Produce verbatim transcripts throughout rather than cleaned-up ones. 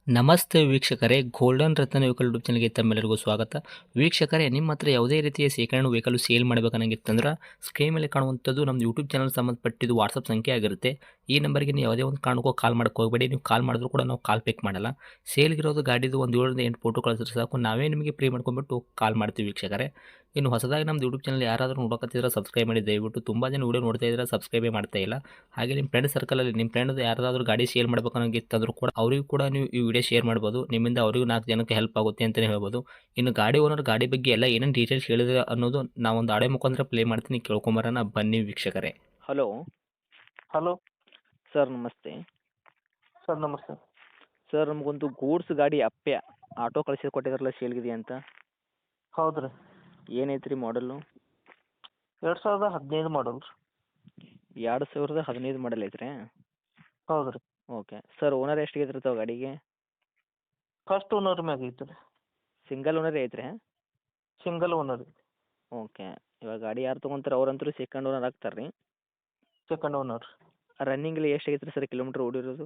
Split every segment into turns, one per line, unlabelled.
ನಮಸ್ತೆ ವೀಕ್ಷಕರೇ, ಗೋಲ್ಡನ್ ರತ್ನ vehicle YouTube ಚಾನಲ್ಗೆ ತಮ್ಮೆಲ್ಲರಿಗೂ ಸ್ವಾಗತ. ವೀಕ್ಷಕರೇ, ನಿಮ್ಮ ಹತ್ರ ಯಾವುದೇ ರೀತಿಯ ಶೇಖರಣೆ ವೆಹಿಕಲ್ ಸೇಲ್ ಮಾಡಬೇಕನ್ನಂಗಿತ್ತಂದ್ರೆ ಸ್ಕ್ರೀನ್ ಮೇಲೆ ಕಾಣುವಂಥದ್ದು ನಮ್ಮ ಯೂಟ್ಯೂಬ್ ಚಾನಲ್ ಸಂಬಂಧಪಟ್ಟಿದ್ದು ವಾಟ್ಸಪ್ ಸಂಖ್ಯೆ ಆಗಿರುತ್ತೆ. ಈ ನಂಬರ್ಗೆ ನೀವು ಯಾವುದೇ ಒಂದು ಕಾರಣಕ್ಕೂ ಕಾಲ್ ಮಾಡಕ್ಕೆ ಹೋಗಬೇಡಿ. ನೀವು ಕಾಲ್ ಮಾಡಿದ್ರು ಕೂಡ ನಾವು ಕಾಲ್ ಪಿಕ್ ಮಾಡಲ್ಲ. ಸೇಲ್ಗಿರೋದು ಗಾಡಿದು ಒಂದು ಏಳರಿಂದ ಎಂಟು ಫೋಟೋ ಕಳಿಸಿದ್ರೆ ಸಾಕು, ನಾವೇ ನಿಮಗೆ ಪ್ರೀ ಮಾಡ್ಕೊಂಡ್ಬಿಟ್ಟು ಕಾಲ್ ಮಾಡ್ತೀವಿ ವೀಕ್ಷಕರೇ. ಇನ್ನು ಹೊಸದಾಗಿ ನಮ್ಮದು ಯೂಟ್ಯೂಬ್ ಚಾನಲ್ ಯಾರಾದರೂ ನೋಡೋಕತ್ತಿದ್ರೆ ಸಬ್ಸ್ಕ್ರೈಬ್ ಮಾಡಿ ದಯವಿಟ್ಟು. ತುಂಬ ಜನ ವೀಡಿಯೋ ನೋಡ್ತಾ ಇದ್ದಾರೆ, ಸಬ್ಸ್ಕ್ರೈಬೇ ಮಾಡ್ತಾ ಇಲ್ಲ. ಹಾಗೆ ನಿಮ್ಮ ಫ್ರೆಂಡ್ ಸರ್ಕಲಲ್ಲಿ ನಿಮ್ಮ ಫ್ರೆಂಡ್ ಯಾರಾದರೂ ಗಾಡಿ ಸೇಲ್ ಮಾಡ್ಬೇಕನ್ನೋಂಗಿತ್ತಂದ್ರೂ ಕೂಡ ಅವರಿಗೂ ಕೂಡ ನೀವು ಈ ವಿಡಿಯೋ ಶೇರ್ ಮಾಡ್ಬೋದು. ನಿಮ್ಮಿಂದ ಅವರಿಗೂ ನಾಲ್ಕು ಜನಕ್ಕೆ ಹೆಲ್ಪ್ ಆಗುತ್ತೆ ಅಂತಲೇ ಹೇಳ್ಬೋದು. ಇನ್ನು ಗಾಡಿ ಓನರ್ ಗಾಡಿ ಬಗ್ಗೆ ಎಲ್ಲ ಏನೇನು ಡೀಟೇಲ್ಸ್ ಹೇಳಿದ್ರೆ ಅನ್ನೋದು ನಾವೊಂದು ಆಡೆ ಮುಖಾಂತರ ಪ್ಲೇ ಮಾಡ್ತೀನಿ, ಕೇಳ್ಕೊಂಬರೋಣ ಬನ್ನಿ ವೀಕ್ಷಕರೇ. ಹಲೋ
ಹಲೋ
ಸರ್, ನಮಸ್ತೆ
ಸರ್, ನಮಸ್ತೆ.
ಸರ್. ನಮಗೊಂದು ಗೂಡ್ಸ್ ಗಾಡಿ ಅಪ್ಪೆ ಆಟೋ ಕಳಿಸಿ ಕೊಟ್ಟಿದ್ರಲ್ಲ, ಸೇಲ್ಗಿದೆ ಅಂತ.
ಹೌದು ರೀ.
ಏನೈತೆ ರೀ ಮಾಡಲ್ಲು?
ಎರಡು ಸಾವಿರದ ಹದಿನೈದು ಮಾಡಲ್ ರೀ.
ಎರಡು ಸಾವಿರದ ಹದಿನೈದು ಮಾಡಲ್ ಐತ್ರಿ?
ಹೌದು ರೀ.
Okay sir. ಓನರ್ ಎಷ್ಟು ಇದ್ರತಾವ ಗಾಡಿಗೆ?
ಫಸ್ಟ್ ಓನರ್ ಮ್ಯಾಗ ಐತೆ ರೀ.
ಸಿಂಗಲ್ ಓನರೇ ಐತ್ರಿ?
ಸಿಂಗಲ್ ಓನರ್ ಐತಿ.
ಓಕೆ. ಇವಾಗ ಗಾಡಿ ಯಾರು ತೊಗೊಂತಾರೆ ಅವ್ರಂತರೂ ಸೆಕೆಂಡ್ ಓನರ್ ಆಗ್ತಾರೆ ರೀ?
Second owner.
ರನ್ನಿಂಗಲ್ಲಿ ಎಷ್ಟು ಆಗೈತೆ ರೀ ಸರ್ ಕಿಲೋಮೀಟ್ರ್ ಓಡಿರೋದು?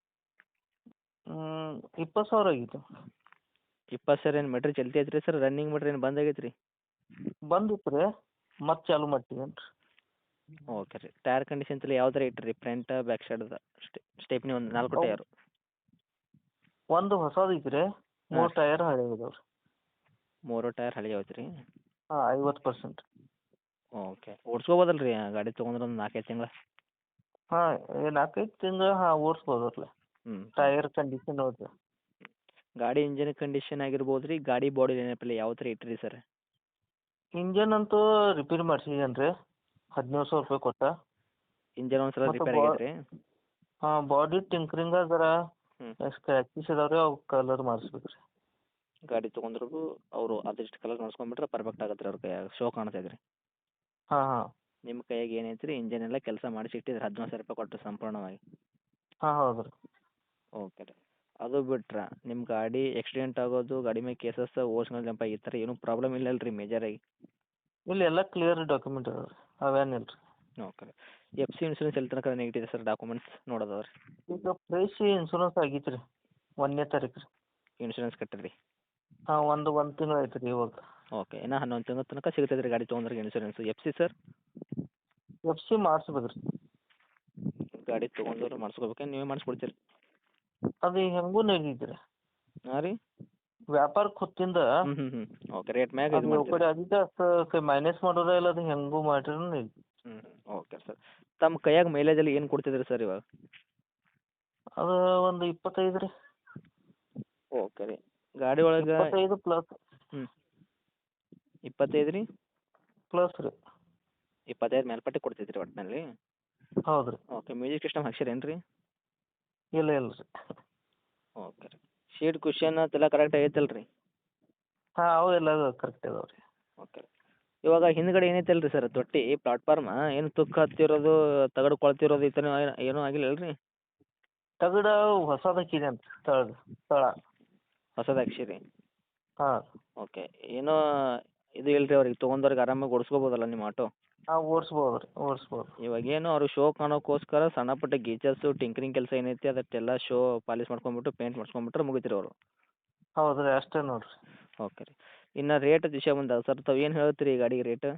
ಇಪ್ಪತ್ತು ಸಾವಿರ ಆಗಿತ್ತು.
ಇಪ್ಪತ್ತು ಸಾವಿರ ಏನು ಮೀಟ್ರ್ ಚಲ್ತಿ ಐತ್ರಿ ಸರ್? ರನ್ನಿಂಗ್ ಮೀಟ್ರ್ ಏನು ಬಂದ್ ಆಗೈತೆ ರೀ?
ಬಂದಿತ್ತು ರೀ, ಮತ್ತೆ ಚಾಲು ಮಾಡ್ತೀವಿ ರೀ.
ಓಕೆ ರೀ. ಟೈರ್ ಕಂಡೀಷನ್ಸ್ ಎಲ್ಲ ಯಾವ ಥರ ಇಟ್ಟಿರಿ? ಫ್ರಂಟ್ ಬ್ಯಾಕ್ ಸೈಡ್ ಸ್ಟೆಪ್ನಿ ಒಂದು ನಾಲ್ಕು ಟೈರು?
ಒಂದು ಹೊಸದು ಐತಿ ರೀ, ಮೂರು ಟೈರ್ ಹಳೆ ಇದಾವೆ ರೀ.
ಮೂರು ಟೈರ್ ಹಳೆ ಐತೆ ರೀ?
ಹಾಂ, ಐವತ್ತು ಪರ್ಸೆಂಟ್.
ಓಕೆ. ಓಡಿಸ್ಕೋಬೋದಲ್ಲ ರೀ ಗಾಡಿ ತೊಗೊಂಡ್ರೆ ಒಂದು ನಾಲ್ಕೈದು ತಿಂಗಳು?
ಹಾಂ, ನಾಲ್ಕೈದು ತಿಂಗಳು ಹಾಂ ಓಡಿಸ್ಬೋದಲ್ಲ.
ಹ್ಞೂ.
ಟೈರ್ ಕಂಡೀಷನ್ ನೋಡಿರಿ.
ಗಾಡಿ ಇಂಜಿನ್ ಕಂಡೀಷನ್ ಆಗಿರ್ಬೋದು ರೀ, ಗಾಡಿ ಬಾಡಿ ನೆನಪಿಲ್ಲ ಯಾವ ಥರ ಇಟ್ಟಿರಿ ಸರ್?
ಇಂಜನ್ ಅಂತೂ ರಿಪೇರಿ ಮಾಡ್ಸಿದ್ದೇನೆ ರೀ, ಹದಿನೇಳು ಸಾವಿರ ರೂಪಾಯಿ ಕೊಟ್ಟ.
ಇಂಜನ್ ಒಂದು ಸಲ
ಮತ್ತೆ
ರಿಪೇರ್ ಆಗೈತೆ ರೀ?
ಹಾಂ, ಬಾಡಿ ಟಿಂಕ್ರಿಂಗ್ ಅದರ
ಹ್ಞೂ.
ಸ್ಕ್ರ್ಯಾಚಸ್ ಇದಾವೆ ರೀ, ಅವು ಕಲರ್ ಮಾಡಿಸ್ಬೇಕು ರೀ.
ಗಾಡಿ ತೊಗೊಂಡ್ರು ಅವರು ಅದಿಷ್ಟು ಕಲರ್ ಮಾಡಿಸ್ಕೊಂಡ್ಬಿಟ್ರೆ ಪರ್ಫೆಕ್ಟ್ ಆಗತ್ತೆ ರೀ ಅವ್ರ ಕೈಯಾಗ, ಶೋ ಕಾಣ್ತೈತೆ ರೀ.
ಹಾಂ ಹಾಂ
ನಿಮ್ಮ ಕೈಯಾಗ ಏನೈತೆ ರೀ, ಇಂಜನ್ ಎಲ್ಲ ಕೆಲಸ ಮಾಡಿಸಿ ಇಟ್ಟಿದ್ರೆ ಹದಿನೇಳು ಸಾವಿರ ರೂಪಾಯಿ ಕೊಟ್ಟು ಸಂಪೂರ್ಣವಾಗಿ?
ಹಾಂ ಹೌದು ರೀ.
ಓಕೆ ರೀ. ಅದು ಬಿಟ್ರೆ ನಿಮ್ಮ ಗಾಡಿ ಆಕ್ಸಿಡೆಂಟ್ ಆಗೋದು, ಗಾಡಿ ಮೇಲೆ ಕೇಸಸ್, ಓರ್ಸ್ಗಳು ಜಂಪ್ ಈ ಥರ ಏನೂ ಪ್ರಾಬ್ಲಮ್ ಇಲ್ಲ ಅಲ್ಲ ರೀ ಮೇಜರಾಗಿ?
ಇಲ್ಲಿ ಎಲ್ಲ ಕ್ಲಿಯರ್ ಡಾಕ್ಯುಮೆಂಟ್ ಇದಾವೆ ರೀ, ಅವೇನಿಲ್ಲ ರೀ.
ಓಕೆ ರೀ. ಎಫ್ ಸಿ ಇನ್ಶೂರೆನ್ಸ್ ಎಲ್ಲಿ ತನಕ ನೆಗೆಟಿವ್ ಸರ್ ಡಾಕ್ಯುಮೆಂಟ್ಸ್ ನೋಡೋದವ ರೀ?
ಈಗ ಫ್ರೆಶ್ ಇನ್ಶೂರೆನ್ಸ್ ಆಗೈತೆ ರೀ, ಒಂದನೇ ತಾರೀಕು ರೀ.
ಇನ್ಶೂರೆನ್ಸ್ ಕಟ್ಟಿರಿ?
ಹಾಂ, ಒಂದು ಒಂದು ತಿಂಗಳು ಆಯ್ತು ರೀ ಇವಾಗ.
ಓಕೆ. ಇನ್ನು ಹನ್ನೊಂದು ತಿಂಗಳ ತನಕ ಸಿಗ್ತೈತೆ ರೀ ಗಾಡಿ ತೊಗೊಂಡ್ರೆ insurance. F C sir?
F C ಮಾಡಿಸ್ಬೇಕು ರೀ.
ಗಾಡಿ ತೊಗೊಂಡ್ರೆ ಮಾಡಿಸ್ಕೋಬೇಕೇನು ನೀವೇ ಮಾಡಿಸ್ಕೊಡ್ತೀರಿ?
ಅದು ಹೆಂಗೂ ನಡೀತು ರೀ.
ಹಾಂ ರೀ?
ವ್ಯಾಪಾರಕ್ಕೆ ಹೊತ್ತಿಂದ
ಹ್ಞೂ ಹ್ಞೂ ಹ್ಞೂ ಓಕೆ. ರೇಟ್ ಮ್ಯಾಗ ಇದು
ಅದು ಯಾವ
ಮಾಡ್ತೀರಿ?
ಕಡೆ ಅದಕ್ಕೆ ಅಷ್ಟು ಮೈನಸ್ ಮಾಡೋದ ಇಲ್ಲ, ಅದು ಹೆಂಗೂ ಮಾಡಿರೂ ನಡೀತು.
ಹ್ಞೂ ಓಕೆ ಸರ್. ತಮ್ಮ ಕೈಯಾಗ ಮೈಲೇಜಲ್ಲಿ ಏನು ಕೊಡ್ತಿದ್ರಿ ಸರ್ ಇವಾಗ?
ಅದು ಒಂದು ಇಪ್ಪತ್ತೈದು ರೀ.
ಓಕೆ ರೀ. ಗಾಡಿ ಒಳಗೆ
ಇಪ್ಪತ್ತೈದು ಪ್ಲಸ್.
ಹ್ಞೂ. ಇಪ್ಪತ್ತೈದು ರೀ?
ಪ್ಲಸ್ ರೀ.
ಇಪ್ಪತ್ತೈದು ಮೇಲ್ಪಟ್ಟೆ ಕೊಡ್ತೈತ್ರಿ ಒಟ್ಟಿನಲ್ಲಿ?
ಹೌದು ರೀ.
ಓಕೆ. ಮ್ಯೂಸಿಕ್ ಸಿಸ್ಟಮ್ ಹಾಕ್ಸಿರೇನು ರೀ?
ಇಲ್ಲ ಇಲ್ಲ ರೀ.
ಓಕೆ ರೀ. ಸೀಟ್ ಕುಷನ್ ಅದೆಲ್ಲ ಕರೆಕ್ಟ್ ಆಗೈತಲ್ಲ ರೀ?
ಹಾಂ, ಅವು ಎಲ್ಲ ಕರೆಕ್ಟ್ ಇದಾವೆ ರೀ.
ಓಕೆ. ಇವಾಗ ಹಿಂದ್ಗಡೆ ಏನೈತಲ್ಲ ರೀ ಸರ್ ತೊಟ್ಟಿ ಪ್ಲಾಟ್ಫಾರ್ಮ್, ಏನು ತುಕ್ಕು ಹತ್ತಿರೋದು, ತಗಡು ಕೊಳ್ತಿರೋದು ಈ ಥರ ಏನೂ ಆಗಿಲ್ಲ ಅಲ್ಲ ರೀ?
ತಗಡ ಹೊಸದು ಹಾಕಿದೆ ಅಂತ ತಳಗ ತಳ
ಹೊಸದು ಹಾಕ್ಸಿರಿ?
ಹಾಂ.
ಓಕೆ. ಏನೋ ಇದು ಇಲ್ಲ ರೀ ಅವ್ರಿಗೆ ತೊಗೊಂಡವ್ರಿಗೆ ಆರಾಮಾಗಿ ಓಡಿಸ್ಕೋಬೋದಲ್ಲ ನಿಮ್ಮ ಆಟೋ?
ಹಾಂ, ಓಡಿಸ್ಬೋದು ರೀ, ಓಡಿಸ್ಬೋದು.
ಇವಾಗೇನು ಅವರು ಶೋ ಕಾಣೋಕ್ಕೋಸ್ಕರ ಸಣ್ಣ ಪುಟ್ಟ ಗೀಚರ್ಸು ಟಿಂಕ್ರಿಂಗ್ ಕೆಲಸ ಏನೈತಿ ಅದಕ್ಕೆಲ್ಲ ಶೋ ಪಾಲಿಶ್ ಮಾಡ್ಕೊಂಬಿಟ್ಟು ಪೇಂಟ್ ಮಾಡ್ಸ್ಕೊಂಬಿಟ್ರೆ ಮುಗಿತು ರೀ ಅವರು?
ಹೌದು ರೀ, ಅಷ್ಟೇ ನೋಡಿರಿ.
ಓಕೆ ರೀ. ಇನ್ನು ರೇಟ್ ವಿಷಯ ಬಂದಾಗ ಸರ್ ತಾವು ಏನು ಹೇಳ್ತೀರಿ ಈ ಗಾಡಿಗೆ ರೇಟ್?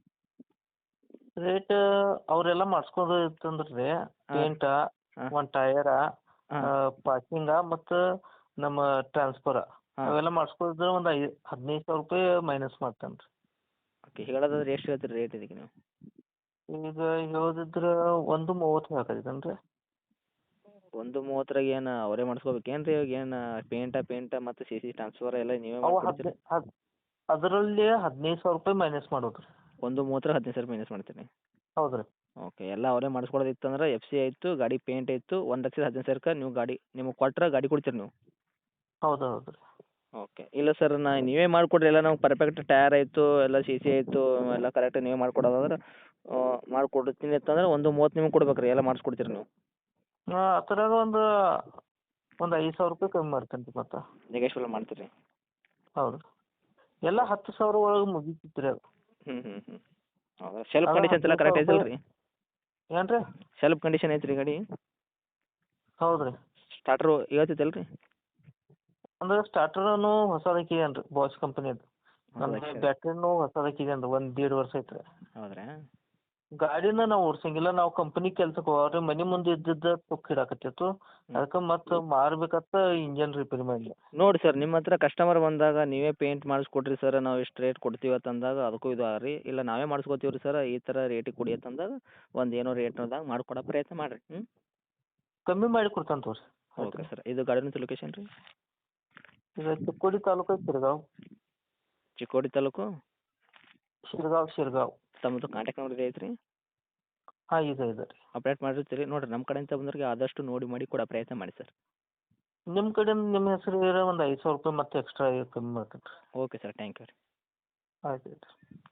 ರೇಟ್ ಅವರೆಲ್ಲ ಮಾಡಿಸ್ಕೋದು ಇತ್ತಂದ್ರೆ ರೀ, ಪೇಂಟ,
ಹಾಂ.
ಒಂದು ಟಯರ,
ಹಾಂ.
ಪಾರ್ಕಿಂಗ ಮತ್ತು ನಮ್ಮ ಟ್ರಾನ್ಸ್ಫರ
ಹಾಂ.
ಅವೆಲ್ಲ ಮಾಡಿಸ್ಕೋದ್ರೆ ಒಂದು ಐ ಹದಿನೈದು ಸಾವಿರ ರೂಪಾಯಿ ಮೈನಸ್ ಮಾಡ್ತೇನೆ ರೀ.
ಓಕೆ. ಹೇಳೋದಾದ್ರೆ ಎಷ್ಟು ಹೇಳ್ತೀರಿ ರೇಟ್ ಇದಕ್ಕೆ ನೀವು?
ಈಗ ಹೇಳೋದಿದ್ರೆ ಒಂದು ಮೂವತ್ತು ಹಾಕಿದ್ದೇನೆ ರೀ.
ಒಂದು ಮೂವತ್ತರಾಗ ಏನು ಅವರೇ ಮಾಡಿಸ್ಕೋಬೇಕೇನು ರೀ? ಇವಾಗ ಏನು ಪೇಂಟ ಪೇಂಟ ಮತ್ತು ಸಿ ಸಿ ಟ್ರಾನ್ಸ್ಫರ್ ಎಲ್ಲ ನೀವೇ
ಅವು
ಮಾಡ್ಕೊಡ್ತೀರಿ?
ಹದಿನೈದು ಹದ್ ಅದರಲ್ಲಿ ಹದಿನೈದು ಸಾವಿರ ರೂಪಾಯಿ ಮೈನಸ್ ಮಾಡೋದು ರೀ.
ಒಂದು ಮೂವತ್ತರ ಹದಿನೈದು ಸಾವಿರ ಮೈನಸ್ ಮಾಡ್ತೀನಿ?
ಹೌದು ರೀ.
ಓಕೆ. ಎಲ್ಲ ಅವರೇ ಮಾಡಿಸ್ಕೊಡೋದಿತ್ತಂದ್ರೆ ಎಫ್ ಸಿ ಆಯಿತು, ಗಾಡಿ ಪೇಂಟ್ ಆಯಿತು, ಒಂದು ಲಕ್ಷದ ಹದಿನೈದು ಸಾವಿರಕ್ಕೆ ನೀವು ಗಾಡಿ ನಿಮಗೆ ಕೊಟ್ರೆ ಗಾಡಿ ಕೊಡ್ತೀರಿ ನೀವು?
ಹೌದು ಹೌದು ರೀ.
ಓಕೆ. ಇಲ್ಲ ಸರ್, ನಾ ನೀವೇ ಮಾಡಿಕೊಡ್ರಿ ಎಲ್ಲ ನಮ್ಗೆ ಪರ್ಫೆಕ್ಟ್ ಟೈರ್ ಆಯಿತು, ಎಲ್ಲ ಸಿ ಸಿ ಆಯಿತು, ಎಲ್ಲ ಕರೆಕ್ಟಾಗಿ ನೀವೇ ಮಾಡ್ಕೊಡೋದಾದ್ರೆ ಮಾಡಿಕೊಡ್ತೀನಿ ಅಂತಂದ್ರೆ ಒಂದು ಮೂವತ್ತು ನಿಮಗೆ ಕೊಡ್ಬೇಕು ರೀ, ಎಲ್ಲ ಮಾಡಿಸ್ಕೊಡ್ತೀರಿ ನೀವು?
ಹಾಂ, ಆ ಥರಾಗ ಒಂದು ಒಂದು ಐದು ಸಾವಿರ ರೂಪಾಯಿ ಕಮ್ಮಿ ಮಾಡ್ತೇನೆ ರೀ ಮತ್ತೆ.
ನೆಗೆಶ್ವಲ್ ಮಾಡ್ತೀರಿ?
ಹೌದು. ಎಲ್ಲ ಹತ್ತು ಸಾವಿರ ಒಳಗೆ ಮುಗೀತಿತ್ತು ರೀ ಅದು.
ಹ್ಞೂ ಹ್ಞೂ ಹ್ಞೂ ಹೌದಾ? ಸೆಲ್ಫ್
ಅದು
ಕಂಡೀಷನ್ಸ್ ಎಲ್ಲ
ಹದಿನೈದು
ಕರೆಕ್ಟ್
ಸಾವಿರ
ಐತಲ್ಲ ರೀ?
ಏನು ರೀ?
ಸೆಲ್ಫ್ ಕಂಡೀಷನ್ ಐತೆ ರೀ ಗಾಡಿ?
ಹೌದು ರೀ.
ಸ್ಟಾರ್ಟ್ರು ಹೇಳ್ತೈತಲ್ಲ ರೀ?
ಅಂದ್ರೆ ಸ್ಟಾರ್ಟರನು ಹೊಸದು ಹಾಕಿದೇನು ರೀ ಬಾಯ್ಸ್ ಕಂಪನಿದು.
ಹೊಸದು
ಅಂದ್ರೆ
ಹಾಕ್ಸಿರಿ.
ಬ್ಯಾಟ್ರಿನೂ ಹೊಸದು ಹಾಕಿದೇನು ರೀ, ಒಂದು ದೀಡ್ ವರ್ಷ ಐತ್ರಿ.
ಹೌದ್ರಾ?
ಗಾಡಿನ ನಾವು ಓಡ್ಸಂಗಿಲ್ಲ, ನಾವು ಕಂಪನಿ ಕೆಲ್ಸಕ್ಕೆ ಹೋಗ್ರಿ, ಮನೆ ಮುಂದೆ ಇದ್ದಿದ್ದ ತುಕ್ಕು ಹಿಡಾಕತ್ತಿತ್ತು. ಅದಕ್ಕೆ ಮತ್ತೆ ಮಾರ್ಬೇಕಂತ ಇಂಜನ್ ರಿಪೇರಿ ಮಾಡಿದೆ.
ನೋಡಿ ಸರ್, ನಿಮ್ಮ ಹತ್ರ ಕಸ್ಟಮರ್ ಬಂದಾಗ ನೀವೇ ಪೇಂಟ್ ಮಾಡಿಸ್ಕೊಡ್ರಿ ಸರ್, ನಾವು ಇಷ್ಟು ರೇಟ್ ಕೊಡ್ತೀವಿ ಅಂತಂದಾಗ ಅದಕ್ಕೂ ಇದು ರೀ, ಇಲ್ಲ ನಾವೇ ಮಾಡಿಸ್ಕೊತೀವಿ ರೀ ಸರ್, ಈ ಥರ ರೇಟಿಗೆ ಕೊಡಿ ಅಂತಂದಾಗ ಒಂದು ಏನೋ ರೇಟ್ನದಾಗ ಮಾಡಿಕೊಡೋ ಪ್ರಯತ್ನ ಮಾಡಿರಿ. ಹ್ಞೂ
ಕಮ್ಮಿ ಮಾಡಿ ಕೊಡ್ತಾನೆ ತೋರಿ.
Okay sir. ಇದು ಗಾಡಿನ ಲೊಕೇಶನ್ ರೀ?
ಇದು ಚಿಕ್ಕೋಡಿ ತಾಲೂಕು ಶಿರ್ಗಾವ್.
ಚಿಕ್ಕೋಡಿ ತಾಲೂಕು
ಶಿರ್ಗಾವ್ ಶಿರ್ಗಾವ್
ತಮ್ಮದು ಕಾಂಟ್ಯಾಕ್ಟ್ ನಂಬರ್ ಇದೆ ಐತ್ರಿ?
ಹಾಂ ಇದೆ ಇದೆ ರೀ.
ಅಪ್ಡೇಟ್ ಮಾಡಿರ್ತೀರಿ ನೋಡಿರಿ, ನಮ್ಮ ಕಡೆಯಿಂದ ಬಂದವ್ರಿಗೆ ಆದಷ್ಟು ನೋಡಿ ಮಾಡಿ ಕೊಡೋ ಪ್ರಯತ್ನ ಮಾಡಿ ಸರ್.
ನಿಮ್ಮ ಕಡೆಯಿಂದ ನಿಮ್ಮ ಹೆಸರು ಇರೋ ಒಂದು ಐದು ಸಾವಿರ ರೂಪಾಯಿ ಮತ್ತೆ ಎಕ್ಸ್ಟ್ರಾ ಕಮ್ಮಿ ಮಾಡ್ತೀನಿ ರೀ.
ಓಕೆ ಸರ್, ಥ್ಯಾಂಕ್ ಯು ರೀ.
ಆಯ್ತು ಆಯ್ತು.